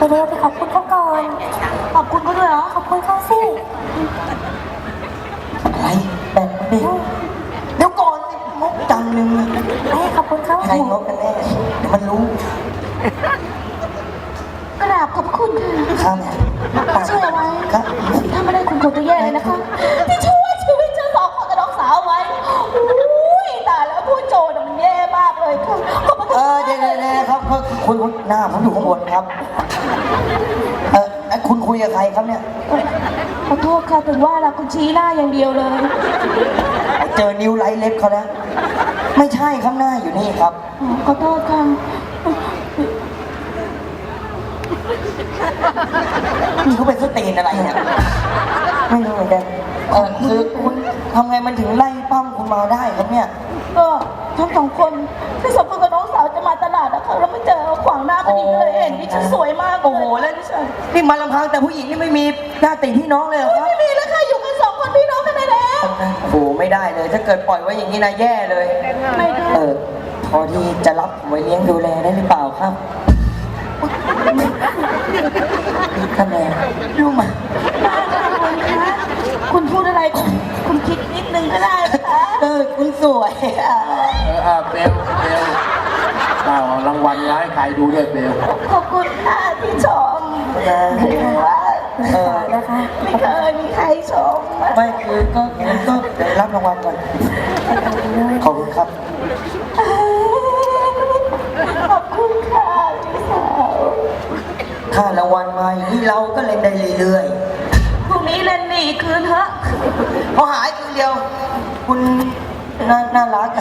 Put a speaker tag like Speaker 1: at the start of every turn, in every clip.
Speaker 1: เร็วๆไปขอบคุณเขาก่อนขอบคุณเขาด้วยเหรอขอบคุณเขาสิ
Speaker 2: อะไรแบบนี้เดี๋ยวก่อนสิงกจังหนึ่ง
Speaker 1: ขอบคุณเขา
Speaker 2: ใครงกกันแน่มันรู้
Speaker 1: กราบขอบคุณค่ะช่วยเอาไว้ถ้าไม่ได้คุณคงจะแย่เลยนะคะที่ช่วยชีวิตฉันสองคนกับน้องสาวไว้ตายแล้วพูดโจนมันแย่มากเลยค่ะ
Speaker 2: เดี๋ยวครับคุณหน้าผมอยู่ข้างบนครับคุณคุยกับใครครับเนี่ย
Speaker 1: ขอโทษค่ะถึงว่าละคุณชี้หน้าอย่างเดียวเลย
Speaker 2: เจอนิ้วไร้เล็บเขาแล้วไม่ใช่ข้างหน้าอยู่นี่ครับ
Speaker 1: ขอโทษค่ะ
Speaker 2: นี่เขาเป็นสเตนอะไรเนี่ยไม่รู้เหมือนกันคือคุณทำไงมันถึงไล่ปั้มคุณมาได้ครับเนี่ย
Speaker 1: ทั้งสองคนที่สมบูรณ์กับน้องสาวจะมาตลาดนะคะแล้วไม่เจอขวางหน้าพอดีเลยเห็นดิฉันสวยมาก
Speaker 2: โอ้โหแล้วนี่มาลำพังแต่ผู้หญิงนี่ไม่มีญาติพี่น้องเลยเหรอครับ
Speaker 1: ไม่มีแล้วค่ะอยู่กันสองคนพี่น้องกันแล้ว
Speaker 2: โอ้โหไม่ได้เลยถ้าเกิดปล่อยไว้อย่างนี้นะแย่เลย
Speaker 1: ไม่ได้
Speaker 2: พอที่จะรับไว้เลี้ยงดูแลได้หรือเปล่าครับท่านแม่รู้ไหม
Speaker 1: คุณพูดอะไรคุณคิดนิดนึงก็ได้นะคะ
Speaker 2: คุณสวย
Speaker 3: เบลรางวัลร้ายใครดูด้วยเบล
Speaker 1: ขอบคุณค่ะที่ชมคือว่านะคะไม่เคยมีใครชม
Speaker 2: ไม่คือก็รับรางวัลก่อนขอบคุณครับ
Speaker 1: ขอบคุณค่ะพี่สาว
Speaker 2: ถ้ารางวัลมาอย่างนี้เราก็เล่นได้เรื่อย
Speaker 1: ๆพรุ่งนี้เล่นนี่คืนเถอะ
Speaker 2: พอหายคืนเดียวคุณน่ารัก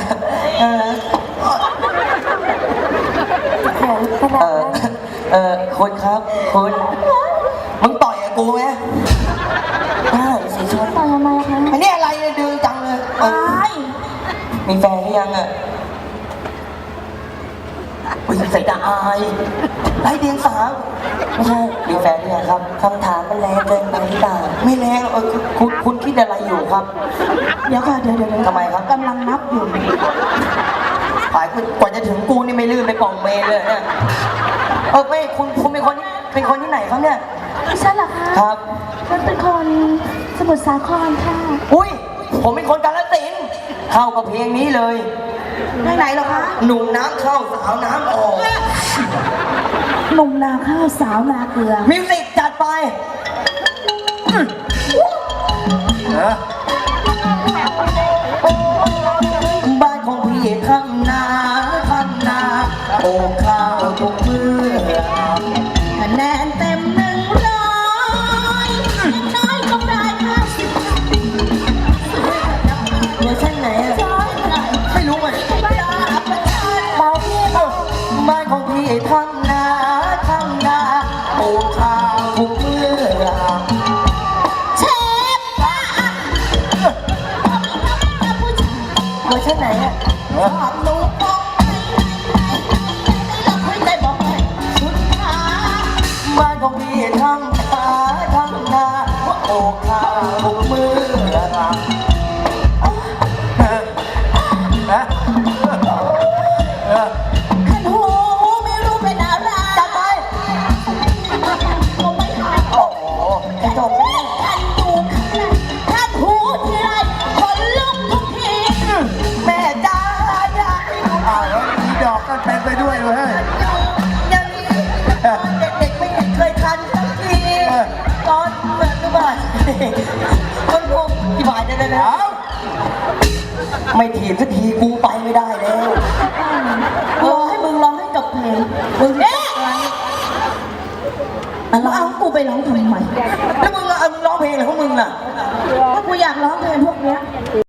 Speaker 2: คุณครับคุณมึงต่อยกับกูไหมได้สิชน
Speaker 1: ต่อยทำไมคะ
Speaker 2: อันนี้อะไรเลยดื้อจังเลยมีแฟนหรือยังอ่ะอุ้ยใส่ตาอายไร้เดียงสาไม่ใช่มีแฟนหรือยังครับคำถามมันแรงเกินไปหรือเปล่าไม่แรงคุณคิดอะไรอยู่ครับ
Speaker 1: เดี๋ยวค่ะเดี๋ยว
Speaker 2: ทำไมครับ
Speaker 1: กำลังนับอยู่
Speaker 2: ฝ่ายกว่าจะถึงกูนี่ไม่ลื่นไปกล่องเมย์เลยเนี่ยไม่คุณเป็นคนที่ไหนครับเนี่ย
Speaker 1: ดิฉันเหรอคะ
Speaker 2: ครับ
Speaker 1: ฉันเป็นคนสมุทรสาครค่ะ
Speaker 2: อุ้ยผมเป็นคนกาฬสินธุ์เข้ากับเพลงนี้เลย
Speaker 1: ไหนเหรอคะ
Speaker 2: หนุ่มน้ำเข้าสาวน้ำออก
Speaker 1: หนุ่มนาข้าวสาวนาเกลือ
Speaker 2: มิวสิกจัดไปบ้านของพี่ทำนาโอ้ข้าวทุกมือ
Speaker 1: คะแนนเต็ม100น้อยก็ได้50
Speaker 2: เวอร์ชันไหนอ่ะไม่รู้เหมือนกันบ้านของพี่ทำนาโอ้ข้าวทุกมือ
Speaker 1: เชฟ
Speaker 2: เวอร์ชันไหนอ่ะ
Speaker 1: ลูก
Speaker 2: บ้านของพี่ทำนาโอ้ข้าวทุกมือ
Speaker 1: ขันหูไม่รู้เป็นอะไร
Speaker 2: จัดไป
Speaker 1: ผมไม่ขายโอ้โหจบขันหูขันหูทีไรคนลุกทุกที
Speaker 2: แม่จ้าอยาก
Speaker 3: แล้วมีดอกกันเป็นไปด้วยเว้ย
Speaker 2: ยังเด็กไม่เคยทันสักทีตอนเมื่อบ่ายคนพวกกี่บาทจะได้แล้วไม่ถีบสักทีกูไปไม่ได้แล้ว
Speaker 1: รอให้มึงร้องให้จบเพลงมึงเนี่ยเอากูไปร้องทำไม
Speaker 2: แล้วมึงร้องเพลงอะไรของมึงล่ะ
Speaker 1: ถ้ากูอยากร้องเพลงพวกเนี้ย